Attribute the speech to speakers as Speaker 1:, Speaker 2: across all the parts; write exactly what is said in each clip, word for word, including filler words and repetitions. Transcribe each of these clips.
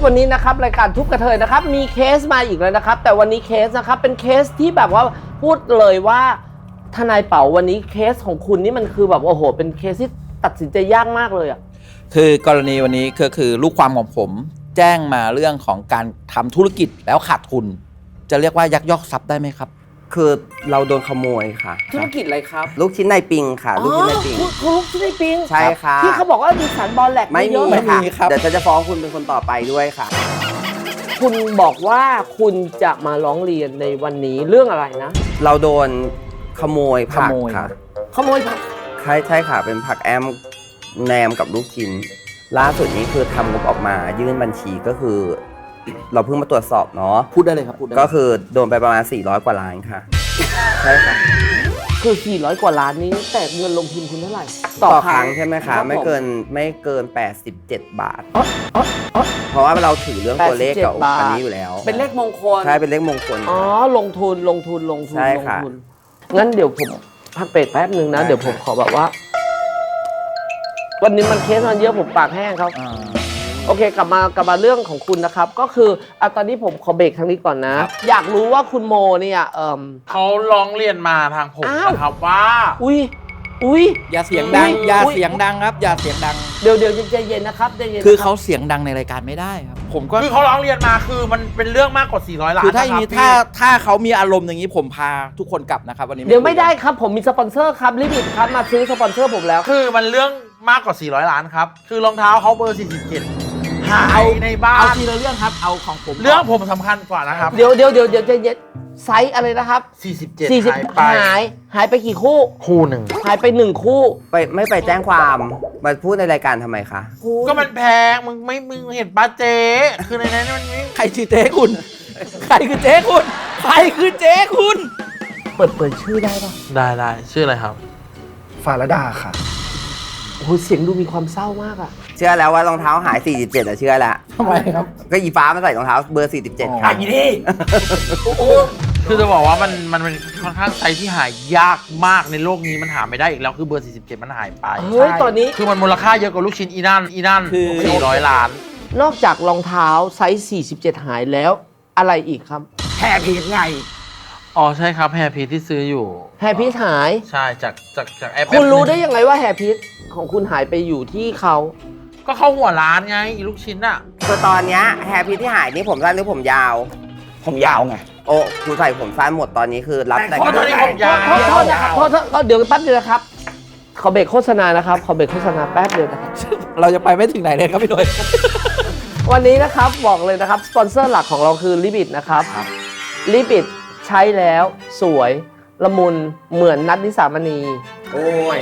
Speaker 1: วันนี้นะครับรายการทุบกระเทยนะครับมีเคสมาอีกแล้วนะครับแต่วันนี้เคสนะครับเป็นเคสที่แบบว่าพูดเลยว่าทนายเป๋าวันนี้เคสของคุณนี่มันคือแบบโอ้โหเป็นเคสที่ตัดสินใจยากมากเลยอ่ะ
Speaker 2: คือกรณีวันนี้ก็คือลูกความของผมแจ้งมาเรื่องของการทำธุรกิจแล้วขาดทุนจะเรียกว่ายักยอกทรัพย์ได้ไหมครับ
Speaker 3: คือเราโดนขโมยค่ะ
Speaker 1: ธุรกิจอะไรครับ
Speaker 3: ลูกชิ้นในปิงค่ะลูกชิ้นในปิง
Speaker 1: คุณลูกชิ้นในปิง
Speaker 3: ใช่ค่ะ
Speaker 1: ที่เขาบอกว่ามีสารบอลแหลก
Speaker 3: ไม่มีค่ะเดี๋ยวฉันจะฟ้องคุณเป็นคนต่อไปด้วยค่ะ
Speaker 1: คุณบอกว่าคุณจะมาร้องเรียนในวันนี้เรื่องอะไรนะ
Speaker 3: เราโดนขโมยผักค่ะ
Speaker 1: ขโมยผัก
Speaker 3: ใช่ใช่ค่ะเป็นผักแอมแหนมกับลูกชิ้นล่าสุดนี้คือทำงบออกมายื่นบัญชีก็คือเราเพิ่งมาตรวจสอบเนาะ
Speaker 2: พูดได้เลยครับพูดได้
Speaker 3: ก็คือโดนไปประมาณสี่ร้อยกว่าล้านค่ะใช่ค่ะ
Speaker 1: คือสี่ร้อยกว่าล้านนี้แต่เงินลงทุนคุณเท่าไหร่
Speaker 3: ต่อครั้งใช่ไหมคะไม่เกินไม่เกินแปดสิบเจ็ดบาทเพราะว่าเราถือเรื่องตัวเลขกับอันนี้อยู่แล้ว
Speaker 1: เป็นเลขมงคล
Speaker 3: ใช่เป็นเลขมงคล
Speaker 1: อ๋อลงทุนลงทุนลงทุน
Speaker 3: ใช่ค่ะ
Speaker 1: งั้นเดี๋ยวผมพักเบรกแป๊บนึงนะเดี๋ยวผมขอแบบว่าวันนี้มันเคสมันเยอะผมปากแห้งครับโอเคกลับมากลับมาเรื่องของคุณนะครับก็คืออ่ะตอนนี้ผมขอเบรกทางนี้ก่อนนะอยากรู้ว่าคุณโมเนี่ยเอ่อ
Speaker 4: เขาร้องเรียนมาทางผมนะครับว่า
Speaker 1: อุ้ยอุ้ย
Speaker 2: อย่าเสียงดังอย่าเสียงดังครับอย่าเสียงดัง
Speaker 1: เดี๋ยวเดี๋ยวใจเย็นนะครับใจเย็น
Speaker 2: คือเขาเสียงดังในรายการไม่ได้ครับผมก็
Speaker 4: คือเขาร้องเรียนมาคือมันเป็นเรื่องมากกว่าสี่ร้อยล้าน
Speaker 2: คือถ้าอย่างนี้ถ้าถ้าเขามีอารมณ์อย่างนี้ผมพาทุกคนกลับนะครับวันนี้
Speaker 1: เดี๋ยวไม่ได้ครับผมมีสปอนเซอร์ครับลิมิตครับมาซื้อสปอนเซอร์ผมแล้ว
Speaker 4: คือมันเรื่องมากกว่าสี่ร้อยล้านครับคือรองเท้าเขาเบอร์สี่สิบเจ็ดหายในบ้าน
Speaker 2: เอาทีละเรื่องครับเอาของผม
Speaker 4: เรื่องผมสำคัญกว่านะครับ
Speaker 1: เดี๋ยวเดี๋ยวเดี๋ยวเดี๋ยวจะเย็นไซส์อะไรนะครับ
Speaker 4: สี่สิบเจ็ด
Speaker 1: หายไปหายหายไปกี่คู่
Speaker 4: คู่หนึ่ง
Speaker 1: หายไปหนึ่งคู่
Speaker 3: ไปไม่ไปแจ้งความมาพูดในรายการทำไมคะ
Speaker 4: ก็มันแพงมึงไม่มึงเห็นป้าเจ๊คือในนั้นมัน
Speaker 2: ใครชื่อเจ๊คุณใครคือเจ๊คุณใครคือเจ๊คุณ
Speaker 1: เปิดเปิดชื่อได้ป่ะ
Speaker 4: ได้ได้ชื่ออะไรครับ
Speaker 5: ฟาราดาค่ะ
Speaker 1: โอ้โหเสียงดูมีความเศร้ามากอะ
Speaker 3: เชื่อแล้วว่ารองเท้าหายสี่สิบเจ็ดอะเชื่อแล้ว
Speaker 2: ทำไมครับ
Speaker 3: ก็อีฟ้ามาใส่รองเท้าเบอร์สี่สิบเจ็ดค่ะ
Speaker 2: อีนี่
Speaker 4: คือจะบอกว่ามันมันเป็นค่อนข้างไซส์ที่หายากมากในโลกนี้มันหาไม่ได้อีกแล้วคือเบอร์สี่สิบเจ็ดมันหายไป
Speaker 1: เฮ้ยตอนนี้
Speaker 4: คือมันมูลค่าเยอะกว่าลูกชิ้นอีนั่นอีนั่นคือสี่ร้อยล้าน
Speaker 1: นอกจากรองเท้าไซส์สี่สิบเจ็ดหายแล้วอะไรอีกครับ
Speaker 2: แฮร์พีทไง
Speaker 4: อ๋อใช่ครับแฮร์พีทที่ซื้ออยู่
Speaker 1: แฮร์พีทหาย
Speaker 4: ใช่จากจากจากแอป
Speaker 1: คุณรู้ได้ยังไงว่าแฮร์พีทของคุณหายไปอยู่ที่เขา
Speaker 4: ก็เข้าหัวร้านไงลูกชิ้นอะ
Speaker 3: คือตอนนี้แฮร์พีทที่หายนี่ผมสั้นหรือผมยาว
Speaker 2: ผมยาวไง
Speaker 3: โอ้คุณใส่ผมสั้นหมดตอนนี้คือรับแต่
Speaker 4: ตอนนี้ผมยาว
Speaker 1: โทษนะครับโทษเดี๋ยวแป๊บเดียวนะครับขอเบรกโฆษณานะครับขอเบรกโฆษณาแป๊บเดียวนะครับ
Speaker 2: เราจะไปไม่ถึงไหนเลยครับพี่หน่อย
Speaker 1: วันนี้นะครับบอกเลยนะครับสปอนเซอร์หลักของเราคือลิบิทนะครับลิบิทใช้แล้วสวยละมุนเหมือนนัทนิสามณี
Speaker 3: โอ้ย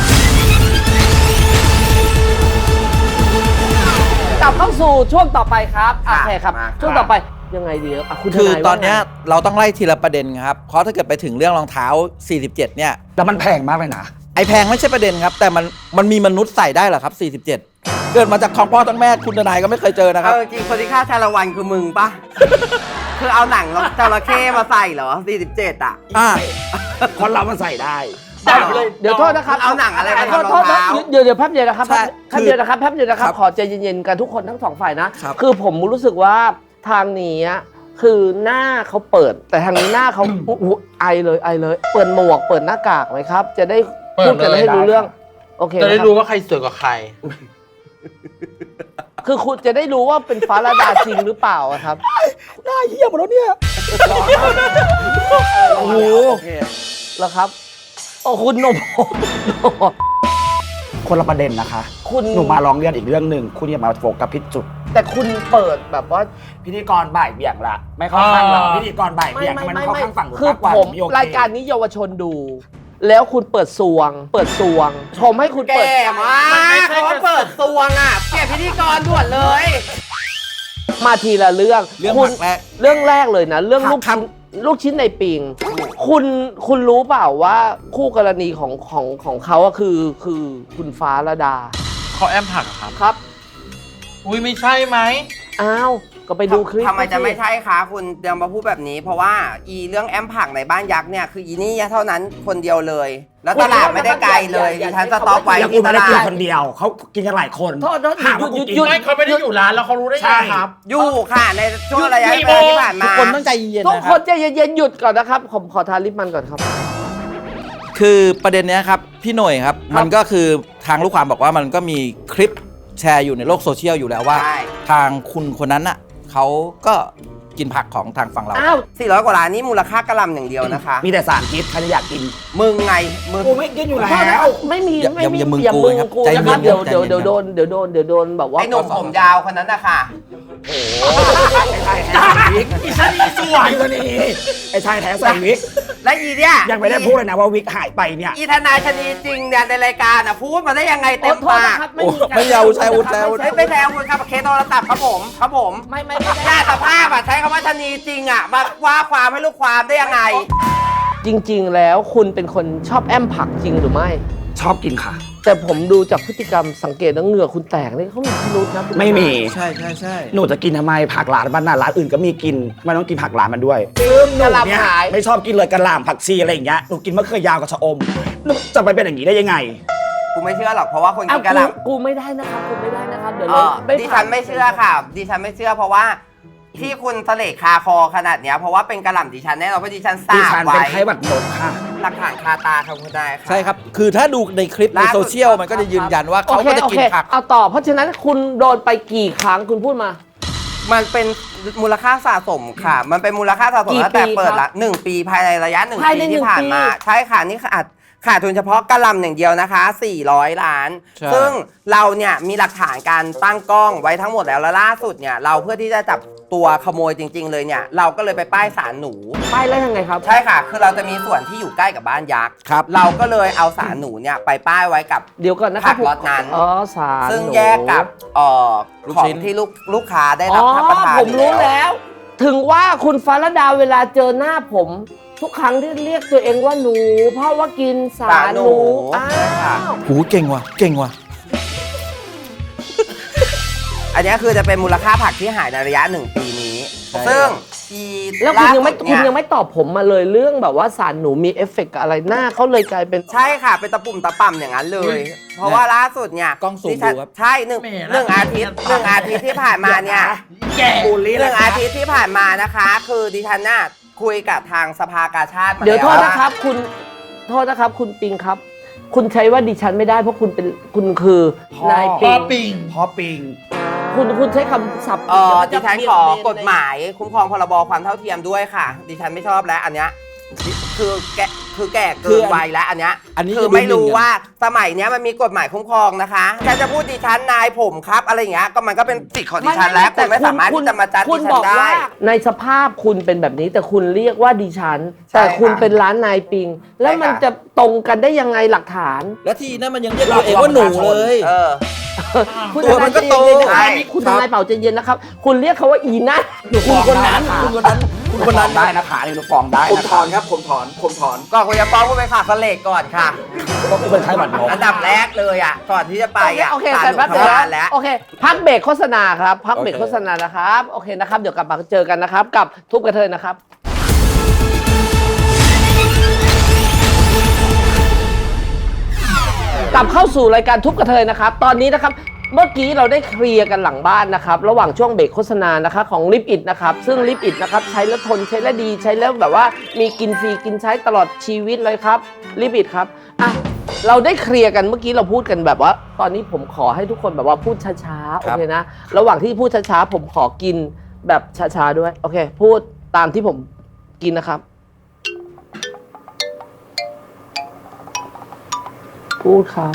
Speaker 1: กลับเข้าสู่ช่วงต่อไปครับโอเคครับช่วงต่อไปยังไงดีอ่ะคุณ
Speaker 2: คือตอนนี้เราต้องไล่ทีละประเด็นครับเพราะถ้าเกิดไปถึงเรื่องรองเท้าสี่สิบเจ็ดเนี่ย
Speaker 5: แล้วมันแพงมากเลยนะ
Speaker 2: ไอแพงไม่ใช่ประเด็นครับแต่มันมันมีมนุษย์ใส่ได้เหรอครับสี่สิบเจ็ดเกิดมาจากท้องพ่อท้องแม่คุณทนายก็ไม่เคยเจอนะครับ
Speaker 3: จริงคนที่ฆ่าชาละวันคือมึงปะคือเอาหนังจระเข้มาใส่เหรอสี่สิบเจ็ดอ่ะ
Speaker 2: อ่า
Speaker 5: คนเรามันใส่ได้
Speaker 1: เดี๋ยวโทษนะครับ
Speaker 3: เอาหนังอะไรมาทำรองเท้า
Speaker 1: เดี๋ยวเดี๋ยวแป๊บเดียวนะครับแป๊บเดียวนะครับแป๊บเดียวนะครับขอใจเย็นๆกันทุกคนทั้งสองฝ่ายนะคือผมรู้สึกว่าทางนี้คือหน้าเขาเปิดแต่ทางนี้หน้าเขาไอเลยไอเลยเปิดหมวกเปิดหน้ากากไหมครับจะได้พูดกันให้รู้เรื่องโอเค
Speaker 4: จะได้รู้ว่าใครสวยกว่าใคร
Speaker 1: คือคุณจะได้รู้ว่าเป็นฟ้าราดาจริงหรือเปล่าครับ
Speaker 2: หน้าเหี้ยหมดแล้วเนี่ย
Speaker 1: โอ้โหแล้วครับโอ้คุณหนุ่ม
Speaker 5: คนละประเด็นนะคะ
Speaker 1: คุณ
Speaker 5: หนูมาร้องเรียนอีกเรื่องหนึ่งคุณอย่ามาโฟกัสผิดจุด
Speaker 1: แต่คุณเปิดแบบว่า
Speaker 5: พิธีกรบ่ายเบี่ยงละไม่เข้าข้างเราพิธีกรบ่ายเบี่ยงมันเข้าข้างฝั่งหนู
Speaker 1: มากกว่าผมรายการนี้เยาวชนดูแล้วคุณเปิดซวงเปิดซวงชมให้คุณเปิด
Speaker 3: แก่มากเขาเปิดซวงอ่ะแก่พิธีกรด่วนเลย
Speaker 1: มาทีละเรื่อง
Speaker 2: เรื่องแรก
Speaker 1: เรื่องแรกเลยนะเรื่องลูกชิ้นลูกชิ้นในปิงคุณคุณรู้เปล่าว่าคู่กรณีของของของเขาอะคือคือคุณฟ้าระดา
Speaker 4: เขาแอมผักครับ
Speaker 1: ครับ
Speaker 4: อุ้ยไม่ใช่ไหม
Speaker 1: อ้าวก็ไปดูคลิป
Speaker 3: ทำไมจะไม่ใช่คะคุณเดี๋ยวมาพูดแบบนี้ เพราะว่าอีเรื่องแอมผักในบ้านยักษ์เนี่ยคืออีนี่เท่านั้นคนเดียวเลย แล้วตลาดไม่ได้ไกลเลยดิฉันสต็อกไว้
Speaker 5: แล้วกู
Speaker 3: ที่ต
Speaker 5: ไม่ได้
Speaker 3: ลา
Speaker 5: กิน
Speaker 3: ด
Speaker 5: คนเดียว เขากินกันหลายคน
Speaker 1: โทษโทษ
Speaker 5: ถามว่า
Speaker 1: หยุ
Speaker 5: กู
Speaker 1: ด
Speaker 5: กิน
Speaker 1: หยุด
Speaker 4: ไม่เขาไม่ได้อยู่ร้านแล้วเขารู้ได้
Speaker 5: ใช่
Speaker 4: ไงครับ
Speaker 3: อยู่ค่ะในช่วงระยะ
Speaker 4: กี่
Speaker 3: เว
Speaker 4: โม
Speaker 3: ลาง ที่ผ่าน
Speaker 2: ทุก
Speaker 3: มา
Speaker 2: คนต้องใจเย็นๆ
Speaker 1: ทุก
Speaker 2: นะค
Speaker 1: ค
Speaker 2: รั
Speaker 1: น
Speaker 2: บ
Speaker 1: ใจเย็นๆหยุดก่อนนะครับ ผมขอทาลิปมันก่อนครับ
Speaker 2: คือประเด็นเนี้ยครับพี่หน่ยครับ มันก็คือทางลูกความบอกว่ามันก็มีคลิปแชร์อยู่ในโลกโซเชียลอยู่แล้วว่า
Speaker 3: ใช่
Speaker 2: ทางคุณคนนั้นน่ะเขาก็กินผักของทางฝั่งเรา
Speaker 1: อ้าว
Speaker 3: สี่ร้อยกว่าล้านนี่มูลค่ากระหลำอย่างเดียวนะคะ
Speaker 5: มีแต่สารพิษใครจะอยากกิน
Speaker 3: มึงไงมึง
Speaker 5: กูไม่กินอยู่
Speaker 1: ขอโทษนะ
Speaker 5: แล้
Speaker 1: คว รับไม่มี
Speaker 2: อย่า
Speaker 1: ไม่มี
Speaker 2: อย่ามึง
Speaker 1: อย่า
Speaker 2: กู
Speaker 1: มึง
Speaker 2: นะครับ
Speaker 1: กู
Speaker 2: ใจ
Speaker 1: นะ
Speaker 2: เย็น
Speaker 1: ครับเดี๋ยว
Speaker 2: ใจ
Speaker 1: เดี๋ยว
Speaker 2: เย็น
Speaker 1: เดี๋ยวโดนเดี๋ยวโดนเดี๋ยวโดนแบบว่า
Speaker 3: ไอ้หนุ่มผมยาวคนนั้นนะคะ
Speaker 5: ไอ้ชายแท้ใส่วิก
Speaker 4: อีฉันอีสวย
Speaker 5: ตัวนี้ไอ้ชายแท้ใส่วิก
Speaker 3: และอีเนี่ย
Speaker 5: ยังไม่ได้พูดเลยนะว่าวิกหายไปเนี่ย
Speaker 3: อีทนายชนีจริงเนี่ยในรายการอ่ะพูดมาได้ยังไง
Speaker 1: โอ้
Speaker 3: เต็ม
Speaker 1: โทษ
Speaker 3: ปา
Speaker 1: นะ
Speaker 3: ก
Speaker 1: ครับไม่มีการ
Speaker 2: ไม่เอาใช้อาวุธใช้อาวุธ
Speaker 3: ไม่ไม่แซวคุณครับเคสโทรศัพท์ครับผมครับผม
Speaker 1: ไม่ไม่ไม่
Speaker 3: หน้าสภาพอ่ะใช้คำว่าชนีจริงอ่ะมาว่าความให้ลูกความได้ยังไง
Speaker 1: จริง ๆ แล้วคุณเป็นคนชอบแอมผักจริงหรือไม่
Speaker 5: ชอบกินค่ะ
Speaker 1: แต่ผมดูจากพฤติกรรมสังเกตแล้วเหงื่อคุณแตกนี่เขามีพิรุษนะคุณ
Speaker 5: ไม่มี
Speaker 2: ใช่ใช่ใช่
Speaker 5: หนูจะกินทำไมผักหลานบ้านน่ะร้านอื่นก็มีกินไม่ต้องกินผักหลานมันด้วยซึ่งหนูเนี่ยไม่ชอบกินเลยกระหล่ำผักชีอะไรอย่างเงี้ยหนูกินมะเขือยาวกับชะอมหนูจะไปเป็นอย่างนี้ได้ยังไง
Speaker 3: กูไม่เชื่อหรอกเพราะว่าคน
Speaker 1: อ้า
Speaker 3: กิ
Speaker 1: วน
Speaker 3: กระห
Speaker 1: กู
Speaker 3: ล่ำ
Speaker 1: กูไม่ได้นะครับกูไม่ได้นะครับเดี๋ยว
Speaker 3: เอ
Speaker 1: เรา
Speaker 3: อดิฉันไม่เชื่อค่ะ ดิฉันไม่เชื่อเพราะว่าที่คุณเสลกคาคอขนาดเนี้ยเพราะว่าเป็นกระหล่ำดิฉันแน่นอนเพราะดิฉันท
Speaker 5: ดิ
Speaker 3: ราบ
Speaker 5: ฉัน
Speaker 3: ไว้
Speaker 5: เป็นไข้หวัดนกค่ะ
Speaker 3: หลักฐานคาตาครับคุณนายค่ะ
Speaker 2: ใช่ครับ คือถ้าดูในคลิปใน
Speaker 3: ล่าสุด
Speaker 2: โซเชียลมันก็จะยืนยันว่าเขาก็จะกินผัก
Speaker 1: เอาต่อเพราะฉะนั้นคุณโดนไปกี่ครั้งคุณพูดมา
Speaker 3: มันเป็นมูลค่าสะสมค่ะ มันเป็นมูลค่าสะสม
Speaker 1: กี่
Speaker 3: ตั้งแต่
Speaker 1: ปี
Speaker 3: เปิด
Speaker 1: ครั
Speaker 3: ละ
Speaker 1: บ
Speaker 3: หนึ่งปีภายในระยะหนึ่ง
Speaker 1: ภายใน
Speaker 3: ปี
Speaker 1: หนึ่
Speaker 3: ที่
Speaker 1: ง
Speaker 3: ผ่านมา
Speaker 1: ปี
Speaker 3: ใช่ค่ะนี่ขาดขาดทุนเฉพาะกระหลำอย่างเดียวนะคะสี่ร้อยล้าน
Speaker 2: ใช่
Speaker 3: ซึ่งเราเนี่ยมีหลักฐานการตั้งกล้องไว้ทั้งหมดแล้วแล้วล่าสุดเนี่ยเราเพื่อที่จะจับตัวขโมยจริง ๆ เลยเนี่ยเราก็เลยไปป้ายสารหนู
Speaker 1: ป้ายแล้วยังไงครับ
Speaker 3: ใช่ค่ะ คือเราจะมีส่วนที่อยู่ใกล้กับบ้านยักษ์
Speaker 2: ครับ
Speaker 3: เราก็เลยเอาสารหนูเนี่ยไปป้ายไว้กับ
Speaker 1: เดี๋ยวก่อนนะครั
Speaker 3: ผักล็อตนั้น
Speaker 1: อ๋อสาร
Speaker 3: ซึ่ง
Speaker 1: หนู
Speaker 3: แยกกับเอ่อ
Speaker 2: ลูก
Speaker 3: ของ
Speaker 2: ชิ้น
Speaker 3: ที่ลูกลูกค้าได้
Speaker 1: อ๋
Speaker 3: รับ
Speaker 1: อ
Speaker 3: รับประทาน
Speaker 1: ผมรู้
Speaker 3: อยู่
Speaker 1: แล้ว ถึงว่าคุณฟ้าระดาเวลาเจอหน้าผม ทุกครั้งที่เรียกตัวเองว่าหนู เพราะว่ากินสารหนูอ้า
Speaker 3: ใช่ค่ะ
Speaker 1: ว
Speaker 2: หูเก่งว่ะเก่งว่ะ
Speaker 3: อันนี้คือจะเป็นมูลค่าผักที่หายในระยะหนึ่งปีนี้
Speaker 2: ใช่
Speaker 3: ซึ่งอี
Speaker 1: แล้วคุณยังไม่
Speaker 3: ล่าสุด
Speaker 1: คุณ
Speaker 3: เนี่
Speaker 1: ยังไม่ตอบผมมาเลยเรื่องแบบว่าสารหนูมีเอฟเฟกต์กับอะไรหน้าเขาเลยกลายเป็น
Speaker 3: ใช่ค่ะ เป็นตะปุ่มตะป่ำอย่างนั้นเลย เพราะว่าล่าสุดเนี่ย
Speaker 2: กล้องซูม
Speaker 3: ดิฉัน
Speaker 2: ดูครับ
Speaker 3: ใช่หนึ่ง
Speaker 4: แหม่
Speaker 3: หนึ่งอาทิตย์หนึ่งอาทิตย์ที่ผ่านมาเนี่ย
Speaker 4: แก
Speaker 5: บูลลี่
Speaker 3: ห
Speaker 5: เล
Speaker 3: นึ่
Speaker 5: ย
Speaker 3: งอาทิตย์ที่ผ่านมานะคะ คือดิฉันน่ะคุยกับทางสภากาชาติมา
Speaker 1: เดี๋ยวโทษ
Speaker 3: แล้
Speaker 1: นะครับคุณโทษนะครับ คุณปิงครับ คุณใช้ว่าดิฉันไม่ได้เพราะคุณเป็นคุณคือ
Speaker 5: พ่อ
Speaker 1: นาย
Speaker 4: พอ
Speaker 1: ปิง
Speaker 4: ปิง
Speaker 5: พอปิง
Speaker 1: คุณคุณใช้คำศัพท์
Speaker 3: เออ
Speaker 1: เดี๋
Speaker 3: ดิ
Speaker 1: ยว
Speaker 3: ฉั
Speaker 1: มัน นจะ
Speaker 3: ขอ
Speaker 1: เบี่ยงเบน
Speaker 3: กฎหมายคุ้มครองพรบความเท่าเทียมด้วยค่ะ ดิฉันไม่ชอบแล้วอันเนี้ยคือแกคือแก่
Speaker 2: คื
Speaker 3: เกิ
Speaker 2: อน อัน
Speaker 3: วัยแล้วอันเนี้ย
Speaker 2: อันนี้
Speaker 3: คือ
Speaker 2: จะดู
Speaker 3: ไม่รู้
Speaker 2: หมิ่นกัน
Speaker 3: ว่าสมัยเนี้ยมันมีกฎหมายคุ้มครองนะคะแค่จะพูดดิฉันนายผมครับอะไรอย่างเงี้ยก็มันก็เป็นสิทธิ์ของดิฉันแล้วคุณไม่สามารถที่จะมาจัด
Speaker 1: คุ
Speaker 3: ดิ
Speaker 1: ณ
Speaker 3: ฉั
Speaker 1: บ
Speaker 3: น
Speaker 1: อก
Speaker 3: ได้
Speaker 1: ว่าในสภาพคุณเป็นแบบนี้แต่คุณเรียกว่าดิฉัน
Speaker 3: ใช่
Speaker 1: แต่คุณ
Speaker 3: ค่ะ
Speaker 1: เป็นร้านนายปิง แล้วมัน
Speaker 3: ใช่ค่ะ
Speaker 1: จะตรงกันได้ยังไงหลักฐาน
Speaker 2: แล้วทีนั้นมันยังเรียกตัวเองว่าหนูเลย
Speaker 3: เออ
Speaker 1: คุณ
Speaker 2: ตัวมันก็โต
Speaker 1: ทนายใจเย็นๆนะครับ
Speaker 3: ใช่
Speaker 1: คุณทนายเป่าใจเย็นนะครับ คุณเรียกเขาว่าอีนั่นคุณคนนั้น
Speaker 2: คุณคนนั้นคุณคนนั้น
Speaker 5: ได้นะคะนี่หนูฟ้องได้
Speaker 2: ผม
Speaker 5: นะ
Speaker 2: ถอ
Speaker 5: คะ
Speaker 2: นครับผมถอนผมถอน
Speaker 3: ก่อนคุณจะฟ้องคุณไปขาดสเลกก่อนค่ะ
Speaker 5: ก็เป็นไข้หวัดนก
Speaker 3: อันดับแรกเลยอ่ะก่อนที่จะไปอ่ะ
Speaker 1: โอเค
Speaker 3: ศาล
Speaker 1: แต่
Speaker 3: หนู
Speaker 1: แป๊บเดียว
Speaker 3: ทำงานแล้ว
Speaker 1: โอเค พักเบรกโฆษณาครับ พักเบรก
Speaker 2: โอเค
Speaker 1: โฆษณานะครับ โอเคนะครับ เดี๋ยวกลับมาเจอกันนะครับ กับทุบกระเทยนะครับ กลับเข้าสู่รายการทุบกระเทยนะครับ ตอนนี้นะครับ เมื่อกี้เราได้เคลียร์กันหลังบ้านนะครับ ระหว่างช่วงเบรกโฆษณานะคะของลิปอิดนะครับ ซึ่งลิปอิดนะครับใช้แล้วทนใช้แล้วดีใช้แล้วแบบว่ามีกินฟรีกินใช้ตลอดชีวิตเลยครับลิปอิดครับอ่ะเราได้เคลียร์กันเมื่อกี้เราพูดกันแบบว่า ตอนนี้ผมขอให้ทุกคนแบบว่าพูดช้าๆโอเคนะ ระหว่างที่พูดช้าๆผมขอกินแบบช้าๆด้วยโอเค พูดตามที่ผมกินนะครับ พูดครับ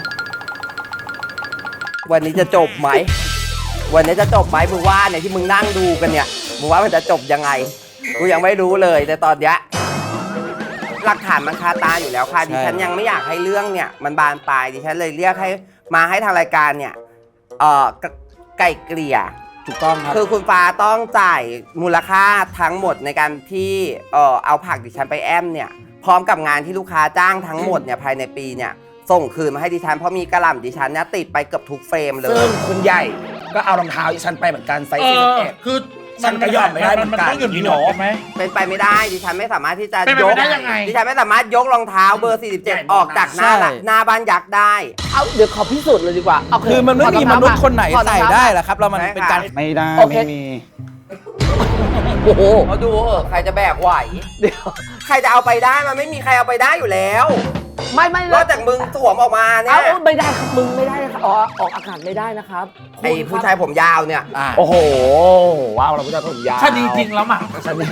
Speaker 3: วันนี้จะจบไหม วันนี้จะจบไหมมึงว่าเนี่ยที่มึงนั่งดูกันเนี่ยมึงว่ามันจะจบยังไง กูยังไม่รู้เลยแต่ตอนเนี้ยหลักฐานมันคาตาอยู่แล้วค่ะ
Speaker 2: ใช่
Speaker 3: ดิฉันยังไม่อยากให้เรื่องเนี่ยมันบานปลายดิฉันเลยเรียกให้มาให้ทางรายการเนี่ยเอ่อไก่เกลี่ย
Speaker 2: ถูกต้องครับ
Speaker 3: คือคุณฟ้าต้องจ่ายมูลค่าทั้งหมดในการที่เอ่อเอาผักดิฉันไปแอมเนี่ยพร้อมกับงานที่ลูกค้าจ้างทั้งหมดเนี่ยภายในปีเนี่ยส่งคืนมาให้ดิฉันเพราะมีกระหล่ำดิฉันเนี่ยติดไปเกือบทุกเฟรมเลย
Speaker 5: ซึ่งคุณใหญ่ก็เอารองเท้าดิฉันไปเหมือนกันไซส์
Speaker 4: เอ
Speaker 5: สี่สิบ
Speaker 4: อ
Speaker 5: เอ็ด
Speaker 4: คือ
Speaker 5: ฉันก็ยอมไม่ได้เหมือน
Speaker 4: มัน
Speaker 5: กัน
Speaker 4: ต้องหยุด
Speaker 5: พี่
Speaker 4: ห
Speaker 5: โน
Speaker 4: นอใช่ไหม
Speaker 3: เป็นไปไม่ได้ดิฉันไม่สามารถที่จะ
Speaker 4: เป็นไป
Speaker 3: ย
Speaker 4: ไม่
Speaker 3: ก
Speaker 4: ได้ยังไง
Speaker 3: ดิฉันไม่สามารถยกรองเท้าเบอร์ สี่สิบเจ็ด ออกจากหน้า
Speaker 2: ใช่
Speaker 3: หน้าบ้านยักษ์ได้
Speaker 1: เอาเดี๋ยวขอพิสูจน์เลยดีกว่าโเ
Speaker 2: คือมันไม่มีมนุษย์คนไหน
Speaker 1: ถอดรอง
Speaker 2: ใส่
Speaker 1: เท้า
Speaker 2: ได้หรอกครับแล้วมันเป็นการ
Speaker 5: ไม่ได้
Speaker 1: โอเค
Speaker 5: ไม่มี
Speaker 1: โอ้โห
Speaker 3: เขาดูเออใครจะแบกไหว
Speaker 1: เดี๋ยว
Speaker 3: ใครจะเอาไปได้มันไม่มีใครเอาไปได้อยู่แล้ว
Speaker 1: ไม่ไม่
Speaker 3: นอกจากมึงสวมออกมาเนี่
Speaker 1: เอา
Speaker 3: ย
Speaker 1: เอาไม่ได้ครับมึงไม่ได้นะครับอ๋อออกอากาศไม่ได้นะครับ
Speaker 3: ไอ้ผู้ชายผมยาวเนี่ย
Speaker 2: อ่า
Speaker 5: โอ้โหว้าวเราผู้ชายผมยาว
Speaker 4: ชาดีจริงแล้วมั้ง
Speaker 5: ชาดี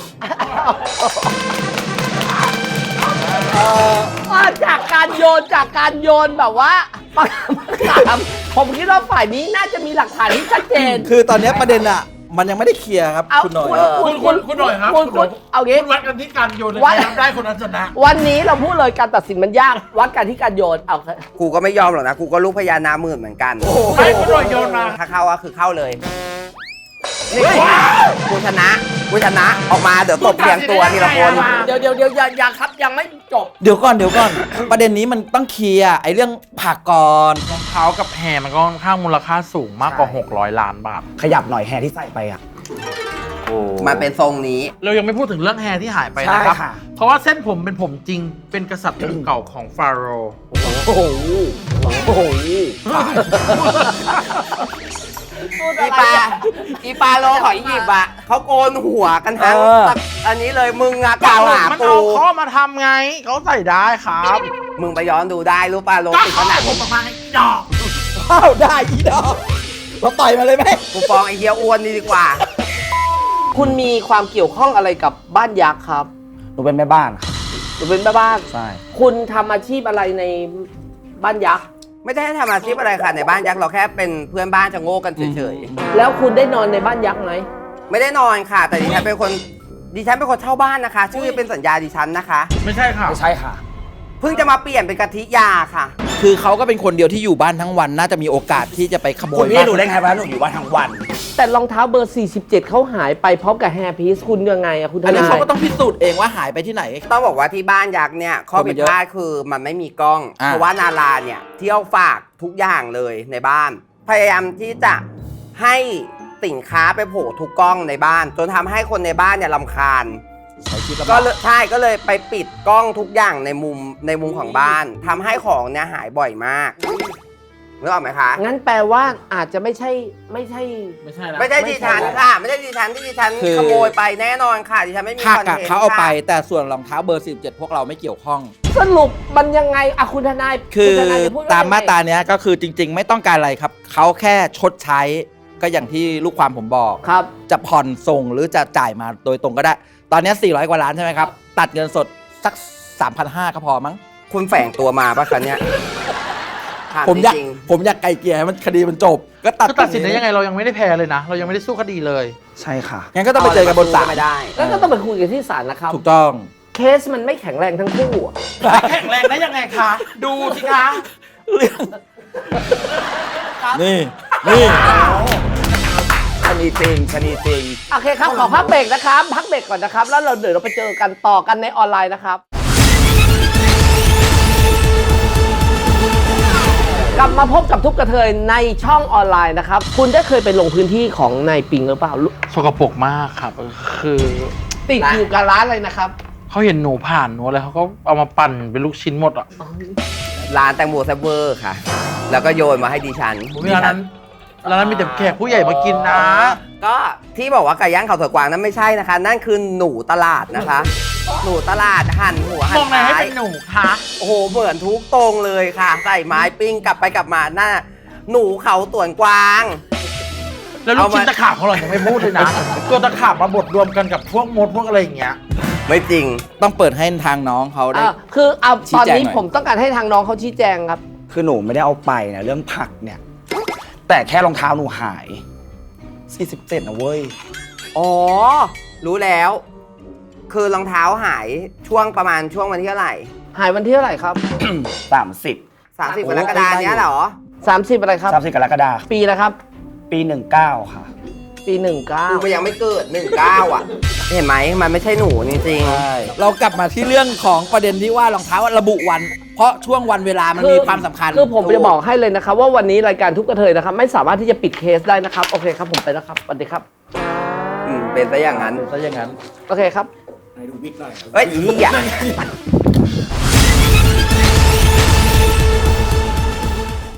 Speaker 1: เอ่อว่าจากการโยนจากการโยนแบบว่าปากกามผมคิดว่าฝ่ายนี้น่าจะมีหลักฐานที่ชัดเจน
Speaker 2: คือตอนนี้ประเด็นอ่ะ มันยังไม่ได้เคลียร์ครับ
Speaker 1: เอา
Speaker 2: คุณหน่อย
Speaker 1: คุณ
Speaker 4: คุณคุณคุณหน่อยครับ
Speaker 1: คุณคุณเอางี้
Speaker 4: คุณวัดกันที่การโยนเลย
Speaker 1: วัด
Speaker 4: ใครทำได้คนนั้นชนะ
Speaker 1: วันนี้เราพูดเลยการตัดสินมันยากวัดกันที่การโยนเอา
Speaker 3: กูก็ไม่ยอมหรอกนะกูก็ลูกพญานาคหมื่นเหมือนกัน
Speaker 4: ไม่คุณหน่อยโยนมา
Speaker 3: ถ้าเข้าก็คือเข้าเลยนี่กูชนะกูชนะออกมาเดี๋ยวตบเรียงตัวทีละคน
Speaker 1: เดี๋ยวเดี๋ยวเดี๋ยวอย่าอย่าครับยังไม่จบ
Speaker 2: เดี๋ยวก่อนเดี๋ยวก่อน ประเด็นนี้มันต้องเคลียร์ไอ้เรื่องผักก่อน
Speaker 4: รองเท้ากับแฮร์มันก็ค่อนข้างมูลค่าสูงมากกว่า หกร้อย ล้านบาท
Speaker 5: ขยับหน่อยแฮร์ที่ใส่ไปอ่ะ
Speaker 3: มันเป็นทรงนี้
Speaker 4: เรายังไม่พูดถึงเรื่องแฮร์ที่หายไป
Speaker 5: ใช่
Speaker 4: นะครับ
Speaker 5: ค่ะ
Speaker 4: เพราะว่าเส้นผมเป็นผมจริง เป็นกษัตริย์องค์เก่าของฟาโรห์
Speaker 1: โอ้โหโอ้โห
Speaker 3: อีปลาอีปลาโลหอยหยิบอ่ะเขาโกนหัวกันทั้ง
Speaker 2: เออ
Speaker 3: อันนี้เลยมึงอะกล่าวหา
Speaker 4: มัน
Speaker 3: กู
Speaker 4: เอาข้อมาทำไง เขาใส่ได้ครับ
Speaker 3: มึงไปย้อนดูได้รู้ป่ะโล
Speaker 4: ก็
Speaker 3: ติดข
Speaker 4: เขา
Speaker 3: นาด
Speaker 4: ผมออกมาให้ดอก
Speaker 2: อ้าวได้อีดอกเราต่อยมาเลยไหม
Speaker 3: กูฟ้องไอ้เฮียอ้วนนี่ดีกว่า
Speaker 1: คุณมีความเกี่ยวข้องอะไรกับบ้านยักษ์ครับ
Speaker 5: หนูเป็นแม่บ้านค่ะ
Speaker 1: หรือเป็นแม่บ้าน
Speaker 5: ใช่
Speaker 1: คุณทำอาชีพอะไรในบ้านยักษ์
Speaker 3: ไม่ได้ทำอาชีพอะไรค่ะในบ้านยักษ์เราแค่เป็นเพื่อนบ้านจะโง่กันเฉย
Speaker 1: แล้วคุณได้นอนในบ้านยักษ์ไหม
Speaker 3: ๆไม่ได้นอนค่ะ แต่ดิฉันเป็นคนดิฉันเป็นคนเช่าบ้านนะคะ ชื่อเป็นสัญญาดิฉันนะคะ
Speaker 4: ไม่ใช่ค่ะ
Speaker 5: ไม่ใช่ค่ะ
Speaker 3: เพิ่งจะมาเปลี่ยนเป็นกะทิยาค่ะ
Speaker 2: คือเขาก็เป็นคนเดียวที่อยู่บ้านทั้งวัน น่าจะมีโอกาสที่จะไปขโม
Speaker 5: คุณ
Speaker 2: ย
Speaker 5: พี่
Speaker 2: บ้าน
Speaker 5: หนูได้ไงวะหนูอยู่บ้านทั้งวัน
Speaker 1: แต่รองเท้าเบอร์ สี่สิบเจ็ดเขาหายไปพร้อมกับแฮร์พีซคุณยังไงอะคุณท
Speaker 2: อันนี้
Speaker 1: นาย
Speaker 2: เขาก็ต้องพิสูจน์เองว่าหายไปที่ไหน
Speaker 3: ต้องบอกว่าที่บ้านยักษ์เนี่ยข้อผิดพลาดคือมันไม่มีกล้อง
Speaker 2: อ่า
Speaker 3: เพราะว่านาราเนี่ยเที่ยวฝากทุกอย่างเลยในบ้าน พยายามที่จะให้สินค้าไปโผล่ทุกกล้องในบ้าน จนทำให้คนในบ้านเนี่ยรำคาญ
Speaker 2: ใช้ชีวิตลำ
Speaker 3: ก็
Speaker 2: บาก
Speaker 3: เลยใช่ก็เลยไปปิดกล้องทุกอย่างในมุมในมุมของบ้านทำให้ของเนี่ยหายบ่อยมากนึกออกไหมคะ
Speaker 1: งั้นแปลว่าอาจจะไม่ใช่ไม่ใช่
Speaker 4: ไม่ใช่นะ
Speaker 3: ไม่ใช่ดิฉันค่ะ ไม่ใช่ดิฉันที่ดิฉันขโมยไปแน่นอนค่ะดิฉันไม่มี
Speaker 2: ผัก
Speaker 3: คอน
Speaker 2: อะ
Speaker 3: เทนต์
Speaker 2: เขาเอาไป
Speaker 3: ค่ะ
Speaker 2: แต่ส่วนรองเท้าเบอร์สิบเจ็ดพวกเราไม่เกี่ยวข้อง
Speaker 1: สรุปมันยังไงอะคุณทนาย
Speaker 2: คือ
Speaker 1: ณทนายจะพูดว่
Speaker 2: ตามมาตรา
Speaker 1: ยังไง
Speaker 2: เนี้ยก็คือจริง ๆ ไม่ต้องการอะไรครับ เขาแค่ชดใช้ก็อย่างที่ลูกความผมบอก
Speaker 1: ครับ
Speaker 2: จะผ่อนส่งหรือจะจ่ายมาโดยตรงก็ได้ ตอนเนี้สี่ร้อยกว่าล้านใช่ไหมครับ ตัดเงินสดสัก สามพันห้าร้อย ก็พอมั้ง
Speaker 3: คุณแฝงตัวมาปะคะเนี่ยถ
Speaker 2: ผมอยาก
Speaker 3: จริง
Speaker 2: ผมอยากไกลเกลี่ยให้มันคดีมันจบ ก็ตัด
Speaker 4: คือตัดสินได้ยังไงเรายังไม่ได้แพ้เลยนะ เรายังไม่ได้สู้คดีเลย
Speaker 5: ใช่ค่ะ
Speaker 2: งั้นก็ต้องไปเจอกันบนศาล
Speaker 3: ไม่ได้
Speaker 1: แล้วก็ต้องไปคุยกันที่ศาลนะครับ
Speaker 2: ถูกต้อง
Speaker 1: เคสมันไม่แข็งแรงทั้งคู่อะ
Speaker 4: แข็งแรงได้ยังไงคะ ดูสิคะ
Speaker 2: เรื่อง นี่ นี่
Speaker 5: ชนีจริงชนีจริง
Speaker 1: โอเคครับ ขอพักเบรกนะครับ พักเบรกก่อนนะครับ แล้วเราเดี๋ยวเราไปเจอกันต่อกันในออนไลน์นะครับ กลับมาพบกับทุกกระเทยในช่องออนไลน์นะครับ คุณได้เคยไปลงพื้นที่ของนายปิงหรือเปล่า
Speaker 4: สกปรกมากครับ คือ
Speaker 1: ติดอยู่กับร้านเลยนะครับ
Speaker 4: เขาเห็นหนูผ่านหนูอะไรเขาก็เอามาปั่นเป็นลูกชิ้นหมดอ่ะ
Speaker 3: ร้านแตงโมแซบเวอร์ค่ะ แล้วก็โยนมาให้ดิฉัน
Speaker 4: ผมร้านนั้นร้านนั้นมีแต่แขกผู้ใหญ่มากินนะ
Speaker 3: ก็ที่บอกว่าไก่ย่างเขาสวนกวางนั้นไม่ใช่นะคะ นั่นคือหนูตลาดนะคะ หนูตลาดหั่นหัวหั่
Speaker 4: ม
Speaker 3: น
Speaker 4: องไหนให้
Speaker 3: ท้าย
Speaker 4: เป็นหนูคะ
Speaker 3: โอ้โหเหมือนทุกตรงเลยค่ะ ใส่ไม้ปิ้งกลับไปกลับมาหน้าหนูเขาสวนกวาง
Speaker 4: แล้วลูก
Speaker 3: เอามา
Speaker 4: ชิ้นตะขาบของเรายังไม่พูดเลยนะ ตัวตะขาบมาบดรวมกันกับพวกมดพวกอะไรอย่างเงี้ย
Speaker 3: ไม่จริง
Speaker 2: ต้องเปิดให้ทางน้องเขาได้
Speaker 1: อ่าคือเอา
Speaker 2: ชี้
Speaker 1: ตอน
Speaker 2: แจง
Speaker 1: นี้
Speaker 2: หน่อย
Speaker 1: ผมต้องการให้ทางน้องเขาชี้แจงครับ
Speaker 5: คือหนูไม่ได้เอาไปนะเรื่องผักเนี่ย แต่แค่รองเท้าหนูหาย สี่สิบเจ็ดนะเว้ย
Speaker 3: อ๋อ รู้แล้ว คือรองเท้าหายช่วงประมาณช่วงวันที่เท่าไหร่
Speaker 1: หายวันที่เท่าไหร่ครับ
Speaker 5: สามสิบ
Speaker 3: สามสิบ
Speaker 2: โอ้
Speaker 3: กรกฎาคมเนี้ยเหรอ
Speaker 1: สามสิบอะไรครับ
Speaker 5: สามสิบกรกฎาคม
Speaker 1: ปีนะครับ
Speaker 5: ปีหนึ่งเก้าค่ะ
Speaker 1: ปีหนึ่งเก้า
Speaker 3: กูมันยังไม่เกิดหนึ่งเก้าอ่ะ เห็นไหมมันไม่ใช่หนูจริง
Speaker 2: ใช่เรากลับมาที่เรื่องของประเด็นที่ว่ารองเท้าระบุวัน เพราะช่วงวันเวลามันมีความสำคัญ
Speaker 1: คือผมจะบอกให้เลยนะครับ ว่าวันนี้รายการทุกกระเทยนะครับ ไม่สามารถที่จะปิดเคสได้นะครับ โอเคครับผมไปแล้วครับสวัสดีครับ
Speaker 3: อืมเป็นซะอย่างนั้น
Speaker 2: ซะอย่างนั้น
Speaker 1: โอเคครับ
Speaker 5: ไหนดูวิกหน่อย
Speaker 3: เอ้ยเหี้ย